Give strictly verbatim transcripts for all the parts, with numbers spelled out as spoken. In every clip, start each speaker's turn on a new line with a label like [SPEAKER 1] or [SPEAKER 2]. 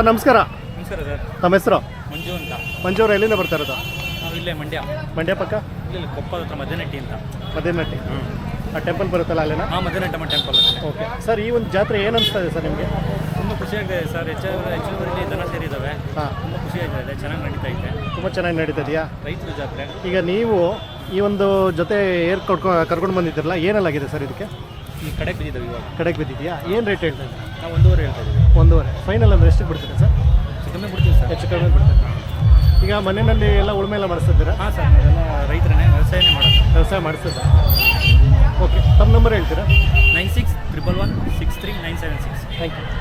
[SPEAKER 1] Sir ನಮಸ್ಕಾರ.
[SPEAKER 2] ನಮಸ್ಕಾರ sir.
[SPEAKER 1] ನಮ್ಮ ಹೆಸರು
[SPEAKER 2] ಮಂಜು ಅಂತ.
[SPEAKER 1] ಮಂಜು ಅವರು ಎಲ್ಲಿಂದ ಬರ್ತಾ ಇರೋದು?
[SPEAKER 2] ನಾವು ಇಲ್ಲೇ ಮಂಡ್ಯ
[SPEAKER 1] ಮಂಡ್ಯ ಪಕ್ಕ
[SPEAKER 2] ಇಲ್ಲಿ ಕೊಪ್ಪದ ಹತ್ರ ಮಧ್ಯನಟ್ಟಿ ಅಂತ.
[SPEAKER 1] ಮಧ್ಯನಟ್ಟಿ ಆ ಟೆಂಪಲ್ ಬರುತ್ತಲ್ಲ ಅಲ್ಲೇನಾ?
[SPEAKER 2] ಹಾಂ, ಮಧ್ಯನಟ್ಟಮ್ಮ ಟೆಂಪಲ್ ಅಲ್ಲೇ.
[SPEAKER 1] ಓಕೆ ಸರ್, ಈ ಒಂದು ಜಾತ್ರೆ ಏನು ಅನಿಸ್ತಾ ಇದೆ ಸರ್ ನಿಮಗೆ?
[SPEAKER 2] ತುಂಬ ಖುಷಿಯಾಗಿದೆ ಸರ್. ಹೆಚ್ಚು ಹೆಚ್ಚುವರಿ ದನ ಸೇರಿದ್ದಾವೆ.
[SPEAKER 1] ಹಾಂ,
[SPEAKER 2] ತುಂಬ ಖುಷಿಯಾಗಿದೆ. ಚೆನ್ನಾಗಿ ನಡೀತಾ ಇದೆ.
[SPEAKER 1] ತುಂಬ ಚೆನ್ನಾಗಿ ನಡೀತದೆಯಾ?
[SPEAKER 2] ರೈತರ ಜಾತ್ರೆ.
[SPEAKER 1] ಈಗ ನೀವು ಈ ಒಂದು ಜೊತೆ ಏರ್ ಕೊಡ್ಕೊ ಕರ್ಕೊಂಡು ಬಂದಿದ್ದೀರಲ್ಲ, ಏನಲ್ಲಾಗಿದೆ ಸರ್ ಇದಕ್ಕೆ?
[SPEAKER 2] ಈ ಕಡೆಗೆ ಬಿದ್ದಿದ್ದಾವೆ ಇವಾಗ.
[SPEAKER 1] ಕಡೆಗೆ ಬಿದ್ದಿದೆಯಾ? ಏನು ರೇಟ್ ಹೇಳ್ತಾ ಇದ್ದೀರಾ?
[SPEAKER 2] ನಾವು ಒಂದೂವರೆ ಹೇಳ್ತಾ ಇದ್ದೀವಿ.
[SPEAKER 1] ಒಂದೂವರೆ ಫೈನಲ್ ಅಂದರೆ ಎಷ್ಟಕ್ಕೆ ಬಿಡ್ತೀರಾ ಸರ್?
[SPEAKER 2] ಕಮ್ಮಿ ಬಿಡ್ತೀವಿ ಸರ್.
[SPEAKER 1] ಹೆಚ್ಚು ಕಡಿಮೆ ಬಿಡ್ತೀರಾ? ಈಗ ಮನೆಯಲ್ಲಿ ಎಲ್ಲ ಉಳುಮೆ ಎಲ್ಲ ಮಾಡಿಸ್ತಿದ್ದೀರಾ?
[SPEAKER 2] ಹಾಂ ಸರ್, ನಾವೆಲ್ಲ ರೈತರನ್ನೇ ವ್ಯವಸಾಯನೇ ಮಾಡೋದು.
[SPEAKER 1] ವ್ಯವಸಾಯ ಮಾಡಿಸ್ತಿದ್ದ. ಓಕೆ, ತಮ್ಮ ನಂಬರ್ ಹೇಳ್ತೀರಾ?
[SPEAKER 2] Nine six triple one six three nine seven six.
[SPEAKER 1] Thank you.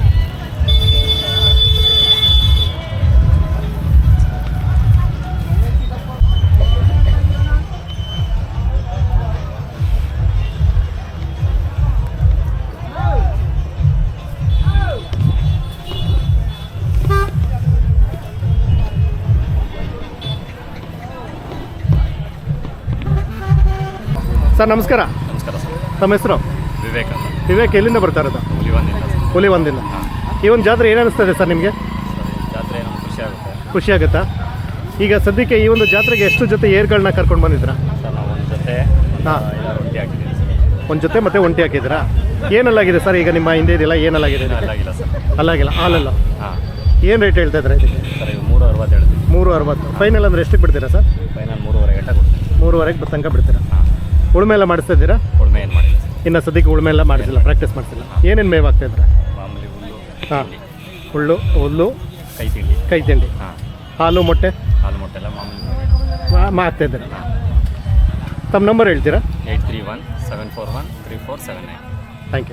[SPEAKER 1] Sir ನಮಸ್ಕಾರ.
[SPEAKER 2] ನಮಸ್ಕಾರ ಸರ್.
[SPEAKER 1] ತಮ್ಮ ಹೆಸರು?
[SPEAKER 2] ವಿವೇಕ್ ಅಂತ.
[SPEAKER 1] ವಿವೇಕ್ ಎಲ್ಲಿಂದ ಬರ್ತಾ ಇರೋದು?
[SPEAKER 2] ಹುಲಿವಂದಿಂದ.
[SPEAKER 1] ಹುಲಿವಂದಿಂದ. ಈ ಒಂದು ಜಾತ್ರೆ ಏನು ಅನಿಸ್ತದೆ ಸರ್ ನಿಮಗೆ?
[SPEAKER 2] ಜಾತ್ರೆ ನಮ್ಗೆ ಖುಷಿ ಆಗುತ್ತೆ.
[SPEAKER 1] ಖುಷಿ ಆಗುತ್ತಾ? ಈಗ ಸದ್ಯಕ್ಕೆ ಈ ಒಂದು ಜಾತ್ರೆಗೆ ಎಷ್ಟು ಜೊತೆ ಏರ್ಗಳನ್ನ ಕರ್ಕೊಂಡು ಬಂದಿದ್ರಾ?
[SPEAKER 2] ಸರ್ ನಾವು ಒಂದು ಜೊತೆ
[SPEAKER 1] ಹಾಂ,
[SPEAKER 2] ರೊಟ್ಟಿ ಹಾಕಿದ್ದೀವಿ ಸರ್.
[SPEAKER 1] ಒಂದು ಜೊತೆ ಮತ್ತೆ ಒಂಟಿ ಹಾಕಿದ್ರಾ? ಏನಲ್ಲಾಗಿದೆ ಸರ್ ಈಗ ನಿಮ್ಮ ಹಿಂದೆ ಇದೆಯಲ್ಲ, ಏನಲ್ಲಾಗಿದೆ?
[SPEAKER 2] ಅಲ್ಲಾಗಿಲ್ಲ ಸರ್.
[SPEAKER 1] ಅಲ್ಲಾಗಿಲ್ಲ, ಹಾಲಲ್ಲ.
[SPEAKER 2] ಹಾಂ.
[SPEAKER 1] ಏನು ರೇಟ್ ಹೇಳ್ತಾ ಇದ್ದಾರೆ ಇದಕ್ಕೆ?
[SPEAKER 2] ಸರ್ ಇವು ಮೂರು ಅರವತ್ತು ಹೇಳ್ತೀವಿ.
[SPEAKER 1] ಮೂರು ಅರವತ್ತು ಫೈನಲ್ ಅಂದರೆ ಎಷ್ಟಕ್ಕೆ ಬಿಡ್ತೀರಾ ಸರ್?
[SPEAKER 2] ಫೈನಲ್ ಮೂರುವರೆ ಗಂಟೆ ಕೊಡ್ತೀವಿ.
[SPEAKER 1] ಮೂರುವರೆಗೆ ತನಕ ಬಿಡ್ತೀರಾ?
[SPEAKER 2] ಹಾಂ.
[SPEAKER 1] ಉಳುಮೆ ಎಲ್ಲ ಮಾಡಿಸ್ತಾ ಇದ್ದೀರಾ?
[SPEAKER 2] ಉಳುಮೆ ಏನು ಮಾಡಿಲ್ಲ ಸರ್.
[SPEAKER 1] ಇನ್ನು ಸದ್ಯಕ್ಕೆ ಉಳುಮೆ ಎಲ್ಲ ಮಾಡಿಸಿಲ್ಲ, ಪ್ರಾಕ್ಟೀಸ್ ಮಾಡಿಸಿಲ್ಲ. ಏನೇನು ಮೇವು ಆಗ್ತಾ ಇದ್ರೆ?
[SPEAKER 2] ಮಾಮೂಲಿ ಹುಲ್ಲು.
[SPEAKER 1] ಹಾಂ, ಹುಲ್ಲು, ಹುಲ್ಲು,
[SPEAKER 2] ಕೈ ತಿಂಡಿ.
[SPEAKER 1] ಕೈ ತಿಂಡಿ.
[SPEAKER 2] ಹಾಂ.
[SPEAKER 1] ಹಾಲು, ಮೊಟ್ಟೆ
[SPEAKER 2] ಹಾಲು ಮೊಟ್ಟೆ ಎಲ್ಲ ಮಾಮೂಲಿ
[SPEAKER 1] ಮಾಡ್ತಾ ಇದ್ದೀರಾ? ತಮ್ಮ ನಂಬರ್ ಹೇಳ್ತೀರಾ?
[SPEAKER 2] Eight three one seven four one three four seven nine.
[SPEAKER 1] Thank you.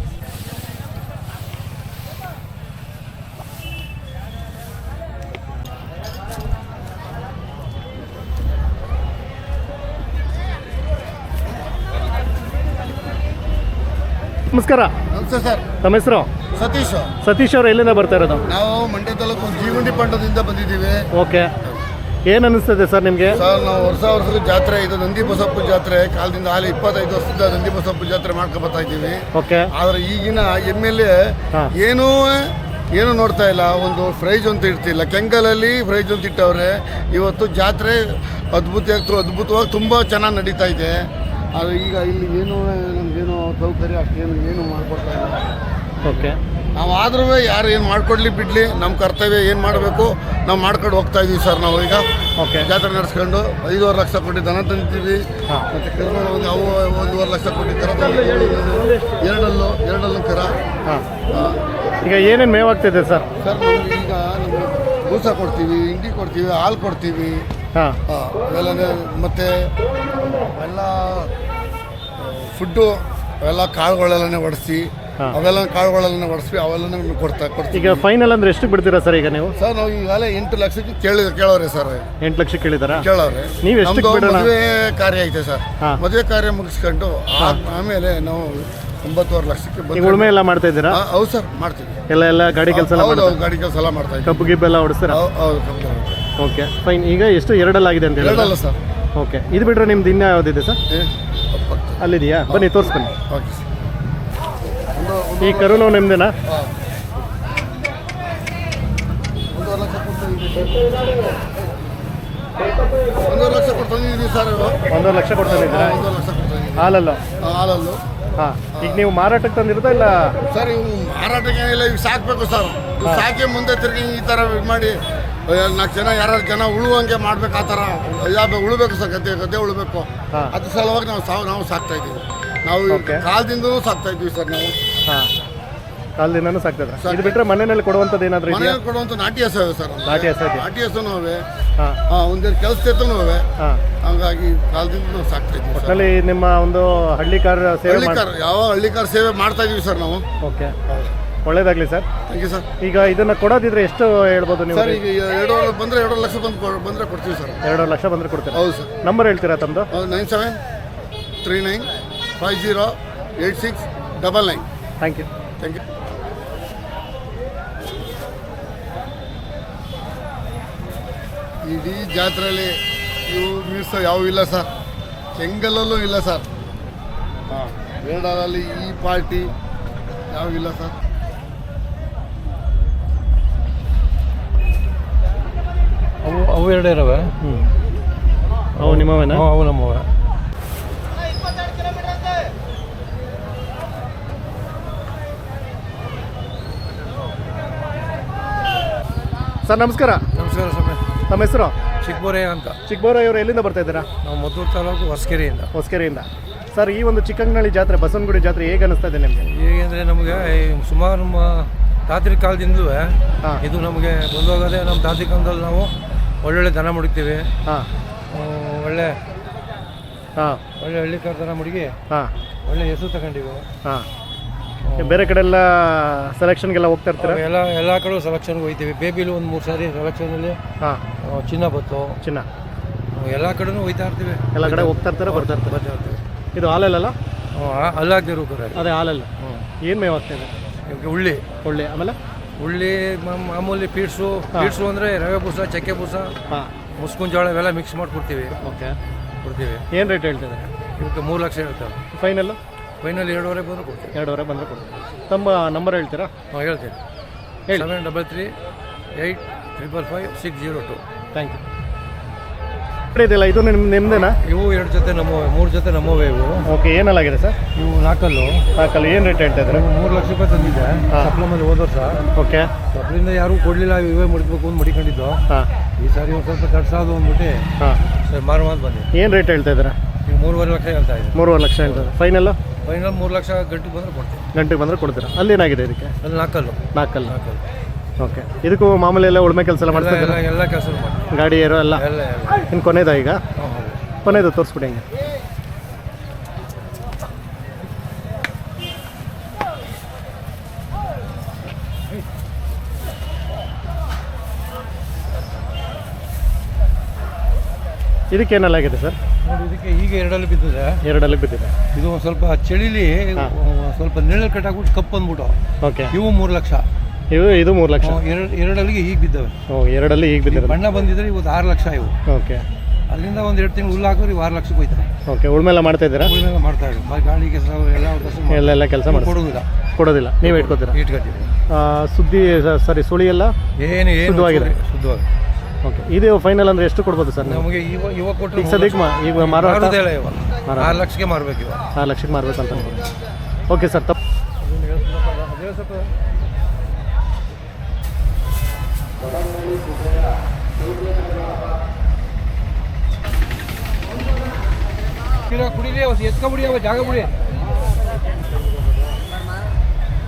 [SPEAKER 1] ನಮಸ್ಕಾರ.
[SPEAKER 3] ನಮಸ್ತೆ ಸರ್.
[SPEAKER 1] ತಮ್ಮ ಹೆಸರು?
[SPEAKER 3] ಸತೀಶ್.
[SPEAKER 1] ಸತೀಶ್ ಅವರು ಎಲ್ಲಿಂದ ಬರ್ತಾ ಇರೋದು?
[SPEAKER 3] ನಾವು ಮಂಡ್ಯ ತಾಲೂಕು ಜೀವಂಡಿ ಪಂಡದಿಂದ ಬಂದಿದ್ದೀವಿ.
[SPEAKER 1] ಓಕೆ, ಏನು ಅನ್ನಿಸ್ತದೆ ಸರ್ ನಿಮಗೆ?
[SPEAKER 3] ಸರ್ ನಾವು ವರ್ಷ ವರ್ಷದ ಜಾತ್ರೆ ಇದು ನಂದಿ ಬಸಪ್ಪ ಜಾತ್ರೆ. ಕಾಲದಿಂದ ಹಾಲಿ ಇಪ್ಪತ್ತೈದು ವರ್ಷದ ನಂದಿ ಬಸಪ್ಪ ಜಾತ್ರೆ ಮಾಡ್ಕೊ ಬರ್ತಾ ಇದ್ದೀವಿ.
[SPEAKER 1] ಓಕೆ.
[SPEAKER 3] ಆದರೆ ಈಗಿನ ಎಮ್ ಎಲ್ ಎ
[SPEAKER 1] ಹಾಂ.
[SPEAKER 3] ಏನೂ ಏನು ನೋಡ್ತಾ ಇಲ್ಲ. ಒಂದು ಪ್ರೈಜ್ ಅಂತ ಇಡ್ತಿಲ್ಲ. ಕೆಂಗಲಲ್ಲಿ ಪ್ರೈಜ್ ಅಂತ ಇಟ್ಟವ್ರೆ. ಇವತ್ತು ಜಾತ್ರೆ ಅದ್ಭುತ ಅದ್ಭುತವಾಗಿ ತುಂಬ ಚೆನ್ನಾಗಿ ನಡೀತಾ ಇದೆ. ಆದರೆ ಈಗ ಇಲ್ಲಿ ಏನು ನಮಗೇನು ಸೌಕರ್ಯ ಅಷ್ಟೇನು ಏನು ಮಾಡಿಕೊಡ್ತಾ ಇಲ್ಲ.
[SPEAKER 1] ಓಕೆ.
[SPEAKER 3] ನಾವು ಆದ್ರೂ ಯಾರು ಏನು ಮಾಡ್ಕೊಡ್ಲಿ ಬಿಡಲಿ, ನಮ್ಮ ಕರ್ತವ್ಯ ಏನು ಮಾಡಬೇಕು ನಾವು ಮಾಡ್ಕೊಂಡು ಹೋಗ್ತಾ ಇದ್ದೀವಿ ಸರ್. ನಾವು ಈಗ
[SPEAKER 1] ಓಕೆ.
[SPEAKER 3] ಜಾತ್ರೆ ನಡೆಸ್ಕೊಂಡು ಐದೂವರೆ ಲಕ್ಷ ಕೊಟ್ಟು ದನ ತಂದಿದ್ದೀವಿ.
[SPEAKER 1] ಹಾಂ.
[SPEAKER 3] ಮತ್ತು ಕರುಗಳು ಒಂದು ಅವು ಒಂದೂವರೆ ಲಕ್ಷ ಕೊಟ್ಟು ಕರ ತಂದಿದ್ದೀವಿ. ಎರಡಲ್ಲು ಎರಡಲ್ಲು ಕರ.
[SPEAKER 1] ಹಾಂ. ಈಗ ಏನೇನು ಮೇವು ಆಗ್ತಿದೆ ಸರ್?
[SPEAKER 3] ಸರ್ ನಮ್ಗೆ ಈಗ ನಮಗೆ ಬೂಸ ಕೊಡ್ತೀವಿ, ಹಿಂಡಿ ಕೊಡ್ತೀವಿ, ಹಾಲು ಕೊಡ್ತೀವಿ.
[SPEAKER 1] ಹಾಂ.
[SPEAKER 3] ಅವೆಲ್ಲನೇ ಮತ್ತು ಎಲ್ಲ ಫುಡ್ಡು ಅವೆಲ್ಲ ಕಾಳುಗಳೆಲ್ಲನೇ ಒಡಿಸಿ ಅವೆಲ್ಲ ಕಾಳುಗಳೆಲ್ಲ ಒಡಿಸಿ ಅವೆಲ್ಲ ಕೊಡ್ತಾ ಕೊಡ್ತೀವಿ.
[SPEAKER 1] ಈಗ ಫೈನಲ್ ಅಂದ್ರೆ ಎಷ್ಟು ಬಿಡ್ತೀರಾ ಸರ್ ಈಗ ನೀವು?
[SPEAKER 3] ಸರ್ ನಾವು ಈಗಾಗಲೇ ಎಂಟು ಲಕ್ಷಕ್ಕೆ ಕೇಳಿ ಕೇಳೋರೆ ಸರ್.
[SPEAKER 1] ಎಂಟು ಲಕ್ಷ ಕೇಳಿದಾರಾ?
[SPEAKER 3] ಕೇಳೋರೆ.
[SPEAKER 1] ನೀವು ಎಷ್ಟು
[SPEAKER 3] ಮದುವೆ ಕಾರ್ಯ ಐತೆ ಸರ್.
[SPEAKER 1] ಹಾಂ.
[SPEAKER 3] ಮದುವೆ ಕಾರ್ಯ ಮುಗಿಸ್ಕೊಂಡು ಆಮೇಲೆ ನಾವು ಒಂಬತ್ತುವರೆ ಲಕ್ಷಕ್ಕೆ
[SPEAKER 1] ಈಗ ಉಳುಮೆ ಎಲ್ಲ ಮಾಡ್ತಾ ಇದ್ದೀರಾ?
[SPEAKER 3] ಹೌದು ಸರ್, ಮಾಡ್ತೀವಿ.
[SPEAKER 1] ಎಲ್ಲ ಎಲ್ಲ ಗಾಡಿ ಕೆಲಸ ಎಲ್ಲ
[SPEAKER 3] ಹೌದು,
[SPEAKER 1] ಮಾಡ್ತೀರಾ?
[SPEAKER 3] ಗಾಡಿ ಕೆಲಸ ಎಲ್ಲ ಮಾಡ್ತಾ ಇದ್ದೀವಿ.
[SPEAKER 1] ಕಬ್ಬು ಗಿಬ್ಬೆಲ್ಲ ಹೊಡಿಸ್ತೀರಾ?
[SPEAKER 3] ಹೌದು, ಕಬ್ಬು.
[SPEAKER 1] Okay, fine. ಈಗ ಎಷ್ಟು ಎರಡಲ್ಲಾಗಿದೆ ಅಂತ ಹೇಳಿ?
[SPEAKER 3] ಎರಡಲ್ಲ ಸರ್.
[SPEAKER 1] ಓಕೆ, ಇದು ಬಿಟ್ಟರೆ ನಿಮ್ದು ಇನ್ನೂ ಯಾವುದಿದೆ ಸರ್? ಅಲ್ಲಿದೆಯಾ? ಬನ್ನಿ ತೋರಿಸ್ಬನ್ನಿ.
[SPEAKER 3] Okay sir.
[SPEAKER 1] ಈ ಕರುನು ನಿಮ್ದೇನಾ?
[SPEAKER 3] ಹಾಂ. ಒಂದೂವರೆ ಲಕ್ಷ ಕೊಡ್ತಾ ಒಂದೂವರೆ ಲಕ್ಷ ಕೊಡ್ತಾ ಇದ್ದೀವಿ ಸರ್.
[SPEAKER 1] ಒಂದೂವರೆ ಲಕ್ಷ ಕೊಡ್ತಾನೆ ಇದ್ದೀರಾ?
[SPEAKER 3] ಒಂದೂವರೆ ಲಕ್ಷ ಕೊಡ್ತಾ ಇದ್ದೀವಿ.
[SPEAKER 1] ಹಾಲಲ್ಲ?
[SPEAKER 3] ಹಾಲಲ್ಲು.
[SPEAKER 1] ಹಾಂ. ಈಗ ನೀವು ಮಾರಾಟಕ್ಕೆ ತಂದಿರೋದಾ ಇಲ್ಲ?
[SPEAKER 3] ಸರ್ ಇವು ಮಾರಾಟಕ್ಕೆ ಏನಿಲ್ಲ, ಈಗ ಸಾಕಬೇಕು ಸರ್. ಇವು ಸಾಕಿ ಮುಂದೆ ತಿರುಗಿ ಈ ಥರ ಇದು ಮಾಡಿ ನಾಲ್ಕು ಜನ ಯಾರು ಜನ ಉಳುವಂಗೆ ಮಾಡ್ಬೇಕು. ಆ ಥರ ಯಾವ ಉಳ್ಬೇಕು ಸರ್, ಗದ್ದೆ ಗದ್ದೆ ಉಳ್ಬೇಕು.
[SPEAKER 1] ಹಾಂ.
[SPEAKER 3] ಅದ್ರ ಸಲುವಾಗಿ ನಾವು ಸಾವು ನಾವು ಸಾಕ್ತಾ ಇದ್ದೀವಿ. ನಾವು ಕಾಲದಿಂದಲೂ ಸಾಕ್ತಾ ಇದ್ದೀವಿ ಸರ್ ನಾವು.
[SPEAKER 1] ಹಾಂ, ಕಾಲದಿಂದನೂ ಸಾಕ್ತದ. ಇದು ಬಿಟ್ಟರೆ ಮನೆಯಲ್ಲಿ ಕೊಡುವಂಥದ್ದು ಏನಾದರೂ ಇದೆಯಾ?
[SPEAKER 3] ಮನೆಯಲ್ಲಿ ಕೊಡುವಂಥ ನಾಟಿ ಹಸು ಇವೆ ಸರ್.
[SPEAKER 1] ನಾಟಿ ಹಸು ಇದೆ.
[SPEAKER 3] ನಾಟಿ ಹಸುನೂ ಅವೆ.
[SPEAKER 1] ಹಾಂ.
[SPEAKER 3] ಹಾಂ, ಒಂದೇನು ಕೆಲಸದೂ ಅವೆ.
[SPEAKER 1] ಹಾಂ.
[SPEAKER 3] ಹಂಗಾಗಿ ಕಾಲದಿಂದ ನಾವು ಸಾಕ್ತಾ ಇದ್ದೀವಿ ಸರ್.
[SPEAKER 1] ಒಟ್ಟಿನಲ್ಲಿ ನಿಮ್ಮ ಒಂದು ಹಳ್ಳಿಕಾರ ಸೇವೆ
[SPEAKER 3] ಹಳ್ಳಿಕಾರ ಯಾವ ಹಳ್ಳಿಕಾರ ಸೇವೆ ಮಾಡ್ತಾ ಇದ್ದೀವಿ ಸರ್ ನಾವು.
[SPEAKER 1] ಓಕೆ, ಒಳ್ಳೇದಾಗಲಿ ಸರ್.
[SPEAKER 3] Thank you sir.
[SPEAKER 1] ಈಗ ಇದನ್ನು ಕೊಡೋದಿದ್ರೆ ಎಷ್ಟು ಹೇಳ್ಬೋದು ನೀವು?
[SPEAKER 3] ಸರ್ ಈಗ ಎರಡೂವರೆ ಬಂದರೆ ಎರಡೂವರೆ ಲಕ್ಷ ಬಂದು ಬಂದರೆ ಕೊಡ್ತೀವಿ ಸರ್.
[SPEAKER 1] ಎರಡೂವರೆ ಲಕ್ಷ ಬಂದರೆ ಕೊಡ್ತೀರಾ?
[SPEAKER 3] ಹೌದು ಸರ್.
[SPEAKER 1] ನಂಬರ್ ಹೇಳ್ತೀರಾ ತಮ್ಮದು?
[SPEAKER 3] Nine seven three nine five zero eight six double nine.
[SPEAKER 1] Thank you.
[SPEAKER 3] Thank you. ಇಡೀ ಜಾತ್ರೆಯಲ್ಲಿ ಇವು ಮೀರ್ಸೋ ಯಾವೂ ಇಲ್ಲ ಸರ್. ಕೆಂಗಲಲ್ಲೂ ಇಲ್ಲ ಸರ್. ಹಾಂ, ಬೇಡಲ್ಲಿ ಈ ಪಾರ್ಟಿ ಯಾವೂ ಇಲ್ಲ ಸರ್.
[SPEAKER 4] ಎರಡು ಇದ್ದಾವೆ.
[SPEAKER 1] ಹ್ಞೂ ಅವು ನಿಮ್ಮವೇನಾ?
[SPEAKER 4] ಹ್ಞೂ ಅವು ನಮ್ಮವೆ.
[SPEAKER 1] ಸರ್ ನಮಸ್ಕಾರ.
[SPEAKER 4] ನಮಸ್ಕಾರ ಸ್ವಾಮಿ.
[SPEAKER 1] ನಮ್ಮ ಹೆಸರು?
[SPEAKER 4] ಚಿಕ್ಕಬೋರೆ ಅಂತ.
[SPEAKER 1] ಚಿಕ್ಕಬೋರೆ ಇವರು ಎಲ್ಲಿಂದ ಬರ್ತಾ ಇದ್ದೀರಾ?
[SPEAKER 4] ನಾವು ಮದ್ದೂರು ತಾಲೂಕು ಹೊಸಕೆರೆಯಿಂದ.
[SPEAKER 1] ಹೊಸಕೆರೆಯಿಂದ. ಸರ್ ಈ ಒಂದು ಚಿಕ್ಕಂಗನಳ್ಳಿ ಜಾತ್ರೆ ಬಸವನಗುಡಿ ಜಾತ್ರೆ ಹೇಗೆ ಅನಿಸ್ತಾ ಇದೆ ನಿಮಗೆ?
[SPEAKER 4] ಹೇಗೆಂದರೆ ನಮಗೆ ಸುಮಾರು ನಮ್ಮ ತಾತ್ರಿ ಕಾಲದಿಂದಲೂ
[SPEAKER 1] ಹಾಂ
[SPEAKER 4] ಇದು ನಮಗೆ ಬಂದೋಗೋದೆ. ನಮ್ಮ ತಾತ್ರಿ ಕಾಲದಲ್ಲಿ ನಾವು ಒಳ್ಳೊಳ್ಳೆ ದನ ಮುಡಿತೀವಿ.
[SPEAKER 1] ಹಾಂ
[SPEAKER 4] ಒಳ್ಳೆ
[SPEAKER 1] ಹಾಂ
[SPEAKER 4] ಒಳ್ಳೆ ಹಳ್ಳಿಕಾರ ದನ ಮುಡುಗಿ
[SPEAKER 1] ಹಾಂ
[SPEAKER 4] ಒಳ್ಳೆ ಹೆಸರು ತಗೊಂಡಿವಿ.
[SPEAKER 1] ಹಾಂ ಬೇರೆ ಕಡೆ ಎಲ್ಲ ಸೆಲೆಕ್ಷನ್ಗೆಲ್ಲ ಹೋಗ್ತಾ ಇರ್ತೀರಾ?
[SPEAKER 4] ಎಲ್ಲ ಎಲ್ಲ ಕಡೆ ಸೆಲೆಕ್ಷನ್ಗೆ ಹೋಗ್ತೀವಿ. ಬೇಬಿಲು ಒಂದು ಮೂರು ಸಾರಿ ಸೆಲೆಕ್ಷನಲ್ಲಿ
[SPEAKER 1] ಹಾಂ
[SPEAKER 4] ಚಿನ್ನ ಬತ್ತು.
[SPEAKER 1] ಚಿನ್ನ
[SPEAKER 4] ಎಲ್ಲ ಕಡೆನೂ ಹೋಗ್ತಾ ಇರ್ತೀವಿ.
[SPEAKER 1] ಎಲ್ಲ ಕಡೆ ಹೋಗ್ತಾ ಇರ್ತಾರೆ, ಬರ್ತಾ ಇರ್ತಾರೆ.
[SPEAKER 4] ಬರ್ತಾ ಇರ್ತೀವಿ.
[SPEAKER 1] ಇದು ಹಾಲಲ್ಲ?
[SPEAKER 4] ಅಲ್ಲಾಗ್ದಿರೋ ಕರೆ.
[SPEAKER 1] ಅದೇ ಹಾಲಲ್ಲ.
[SPEAKER 4] ಹ್ಞೂ
[SPEAKER 1] ಏನು ಮೇವು ಆಗ್ತಾ ಇದೆ?
[SPEAKER 4] ಇವಾಗ ಉಳ್ಳಿ
[SPEAKER 1] ಒಳ್ಳೆ. ಆಮೇಲೆ
[SPEAKER 4] ಉಳ್ಳಿ ಮಾಮೂಲಿ ಪೀಡ್ಸು. ಪೀಡ್ಸು ಅಂದರೆ ರವೆ ಬೂಸ, ಚಕ್ಕೆ ಬೂಸ,
[SPEAKER 1] ಹಾಂ
[SPEAKER 4] ಮುಸ್ಕಿನ ಜೋಳ ಇವೆಲ್ಲ ಮಿಕ್ಸ್ ಮಾಡಿ ಕೊಡ್ತೀವಿ.
[SPEAKER 1] ಓಕೆ
[SPEAKER 4] ಕೊಡ್ತೀವಿ.
[SPEAKER 1] ಏನು ರೇಟ್ ಹೇಳ್ತಿದ್ದಾರೆ?
[SPEAKER 4] ಇವಕ್ಕೆ ಮೂರು ಲಕ್ಷ ಹೇಳ್ತೇವೆ.
[SPEAKER 1] ಫೈನಲ್ಲು
[SPEAKER 4] ಫೈನಲ್ ಎರಡೂವರೆ ಬಂದು ಕೊಡ್ತೀವಿ.
[SPEAKER 1] ಎರಡೂವರೆ ಬಂದರೆ ಕೊಡ್ತೀವಿ. ತಮ್ಮ ನಂಬರ್ ಹೇಳ್ತೀರಾ?
[SPEAKER 4] ಹಾಂ ಹೇಳ್ತೀನಿ.
[SPEAKER 1] ಹೇಳಿ.
[SPEAKER 4] Seven double three eight triple five six zero two.
[SPEAKER 1] Thank you. ಇದೆಯಲ್ಲ ಇದು ನಿಮ್ಮ ನಿಮ್ಮದೇನಾ?
[SPEAKER 4] ಇವು ಎರಡು ಜೊತೆ ನಮ್ಮವೆ, ಮೂರು ಜೊತೆ ನಮ್ಮವೆ ಇವು.
[SPEAKER 1] ಓಕೆ ಏನಲ್ಲಾಗಿದೆ ಸರ್?
[SPEAKER 4] ಇವು ನಾಲ್ಕಲ್ಲು.
[SPEAKER 1] ಸಾಕಲ್ಲ. ಏನು ರೇಟ್ ಹೇಳ್ತಾ ಇದ್ದಾರೆ?
[SPEAKER 4] ಮೂರು ಲಕ್ಷ ರೂಪಾಯಿ ತಂದಿದ್ದೆ ಸಪ್ಲಮಲ್ಲಿ ಹೋದ ವರ್ಷ.
[SPEAKER 1] ಓಕೆ
[SPEAKER 4] ಸಪ್ಲಿಂದ ಯಾರೂ ಕೊಡಲಿಲ್ಲ, ಇವೇ ಮುಡಿಸ್ಬೇಕು ಅಂತ ಮಡಿಕೊಂಡಿದ್ದು.
[SPEAKER 1] ಹಾಂ
[SPEAKER 4] ಈ ಸಾರಿ ಒಂದು ಸ್ವಲ್ಪ ತಡ್ಸಾದು ಅಂದ್ಬಿಟ್ಟು
[SPEAKER 1] ಹಾಂ
[SPEAKER 4] ಸರ್ ಮಾರು ಮಾತು ಬಂದೆ.
[SPEAKER 1] ಏನು ರೇಟ್ ಹೇಳ್ತಾ ಇದ್ದೀರಾ?
[SPEAKER 4] ಈಗ ಮೂರುವರೆ ಲಕ್ಷ ಹೇಳ್ತಾ ಇದ್ದೀನಿ.
[SPEAKER 1] ಮೂರುವರೆ ಲಕ್ಷ ಹೇಳ್ತಾರೆ. ಫೈನಲ್ಲು
[SPEAKER 4] ಫೈನಲ್ ಮೂರು ಲಕ್ಷ ಗಂಟೆಗೆ ಬಂದರೆ ಕೊಡ್ತೀವಿ.
[SPEAKER 1] ಗಂಟೆಗೆ ಬಂದರೆ ಕೊಡ್ತೀರಾ? ಅಲ್ಲೇನಾಗಿದೆ ಇದಕ್ಕೆ?
[SPEAKER 4] ಅಲ್ಲಿ ನಾಲ್ಕಲ್ಲು.
[SPEAKER 1] ನಾಲ್ಕಲ್ಲ.
[SPEAKER 4] ನಾಲ್ಕಲ್ಲು.
[SPEAKER 1] ಓಕೆ. ಇದಕ್ಕೂ ಮಾಮೂಲಿ ಎಲ್ಲ ಉಳ್ಮೆ ಕೆಲಸ ಎಲ್ಲ
[SPEAKER 4] ಎಲ್ಲ
[SPEAKER 1] ಮಾಡ್ತಾ
[SPEAKER 4] ಎಲ್ಲ ಎಲ್ಲ ಕೆಲಸ ಮಾಡಿ
[SPEAKER 1] ಗಾಡಿ ಏರೋ ಎಲ್ಲ
[SPEAKER 4] ಎಲ್ಲ ಎಲ್ಲ
[SPEAKER 1] ಇನ್ನು ಕೊನೆಯದ ಈಗ?
[SPEAKER 4] ಹಾಂ ಹೌದು.
[SPEAKER 1] ಕೊನೆಯದು ತೋರಿಸ್ಬಿಡಿ ಹಂಗೆ. ಇದಕ್ಕೇನಲ್ಲಾಗಿದೆ ಸರ್?
[SPEAKER 4] ನೋಡಿ ಇದಕ್ಕೆ ಈಗ ಎರಡಲ್ಲಿ ಬಿದ್ದಿದೆ.
[SPEAKER 1] ಎರಡಲ್ಲಿ ಬಿದ್ದಿದೆ.
[SPEAKER 4] ಇದು ಒಂದು ಸ್ವಲ್ಪ ಚಳಿಲಿ ಸ್ವಲ್ಪ ನೆರಳು ಕಟ್ಟಾಕ್ಬಿಟ್ಟು ಕಪ್ಪು ಅಂದ್ಬಿಟ್ಟು
[SPEAKER 1] ಓಕೆ.
[SPEAKER 4] ಇವು ಮೂರು ಲಕ್ಷ.
[SPEAKER 1] ಇವು ಇದು ಮೂರು ಲಕ್ಷ.
[SPEAKER 4] ಎರಡು ಎರಡಲ್ಲಿಗೆ ಈಗ ಬಿದ್ದವೆ.
[SPEAKER 1] ಓ ಎರಡಲ್ಲಿ ಈಗ ಬಿದ್ದಿದೆ.
[SPEAKER 4] ಬಣ್ಣ ಬಂದಿದ್ರೆ ಇವತ್ತು ಆರು ಲಕ್ಷ ಇವು.
[SPEAKER 1] ಓಕೆ.
[SPEAKER 4] ಅಲ್ಲಿಂದ ಒಂದು ಎರಡು ತಿಂಗಳು ಹುಲ್ಲು ಹಾಕಿದ್ರೆ ಇವು ಆರು ಲಕ್ಷಕ್ಕೆ ಹೋಯ್ತಾರೆ.
[SPEAKER 1] ಓಕೆ. ಉಳ್ಮೆಲ್ಲ ಮಾಡ್ತಾ ಇದ್ದೀರಾ?
[SPEAKER 4] ಉಳಿಮೆಲ್ಲ ಮಾಡ್ತಾ ಇದ್ದೀವಿ. ಬರೀ ಗಾಡಿ ಕೆಲಸ ಎಲ್ಲ ಕೆಲಸ
[SPEAKER 1] ಎಲ್ಲ ಎಲ್ಲ ಕೆಲಸ ಮಾಡಿ
[SPEAKER 4] ಕೊಡೋದಿಲ್ಲ.
[SPEAKER 1] ಕೊಡೋದಿಲ್ಲ, ನೀವೇ ಇಟ್ಕೋತೀರಾ?
[SPEAKER 4] ಇಟ್ಕೊತೀವಿ.
[SPEAKER 1] ಸುದ್ದಿ ಸಾರಿ ಸುಳಿ ಎಲ್ಲ
[SPEAKER 4] ಏನು ಏನು
[SPEAKER 1] ಶುದ್ಧವಾಗಿದೆ?
[SPEAKER 4] ಶುದ್ಧವಾಗಿ.
[SPEAKER 1] ಓಕೆ. ಇದು ಫೈನಲ್ ಅಂದರೆ ಎಷ್ಟು ಕೊಡ್ಬೋದು ಸರ್?
[SPEAKER 4] ನಮಗೆ ಇವಾಗ ಇವಾಗ ಕೊಟ್ಟರೆ
[SPEAKER 1] ಈಗ ಸದ್ಯಕ್ಕೆ ಮಾ ಈಗ ಮಾರೋ
[SPEAKER 4] ಮಾರೋದೇ ಇಲ್ಲ. ಇವಾಗ ಆರು ಲಕ್ಷಕ್ಕೆ ಮಾರಬೇಕು. ಇವಾಗ
[SPEAKER 1] ಆರು ಲಕ್ಷಕ್ಕೆ ಮಾರ್ಬೇಕಂತ ಓಕೆ ಸರ್. ತಪ್ಪು
[SPEAKER 4] ಕುಡಿಲಿ ಎತ್ಕೊಬಿಡಿ, ಅವ ಜಾಗ ಬಿಡಿ.